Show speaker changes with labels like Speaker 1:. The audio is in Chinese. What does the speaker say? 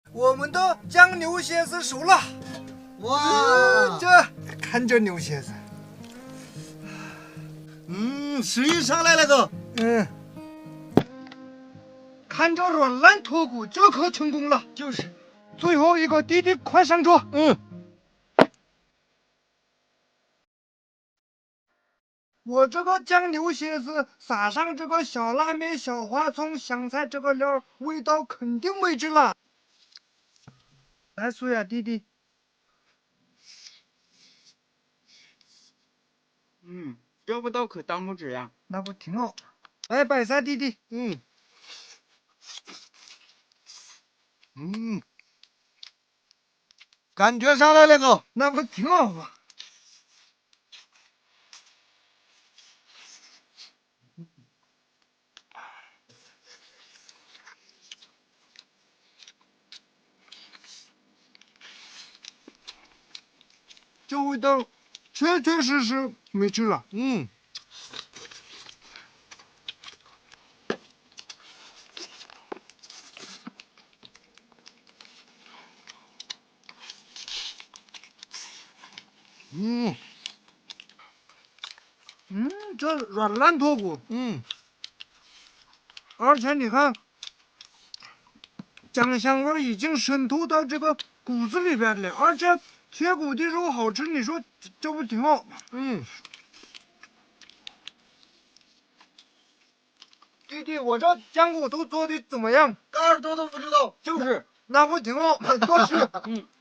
Speaker 1: 我们的酱牛蝎子熟了。
Speaker 2: 哇，
Speaker 1: 看这牛蝎子，
Speaker 2: 食欲上来了哥。
Speaker 1: 看这软烂脱骨，这可成功了。
Speaker 2: 就是，
Speaker 1: 最后一个，弟弟快上桌。我这个酱牛蝎子撒上这个小辣面、小花葱、香菜这个料，味道肯定美极了。来，苏雅弟弟。
Speaker 3: 这味道可当不止呀。
Speaker 1: 那不挺好？来，百赛弟弟。
Speaker 2: 感觉上来了哥。
Speaker 1: 那不挺好吗？这味道确确实实没吃了。这软烂脱骨。而且你看，酱香味已经渗透到这个骨子里边了，而且铁骨的肉好吃，你说这不挺好吗？弟弟，我这酱骨头做的怎么样？
Speaker 2: 耳朵都不知道。
Speaker 1: 就是，那不挺好吗？多吃。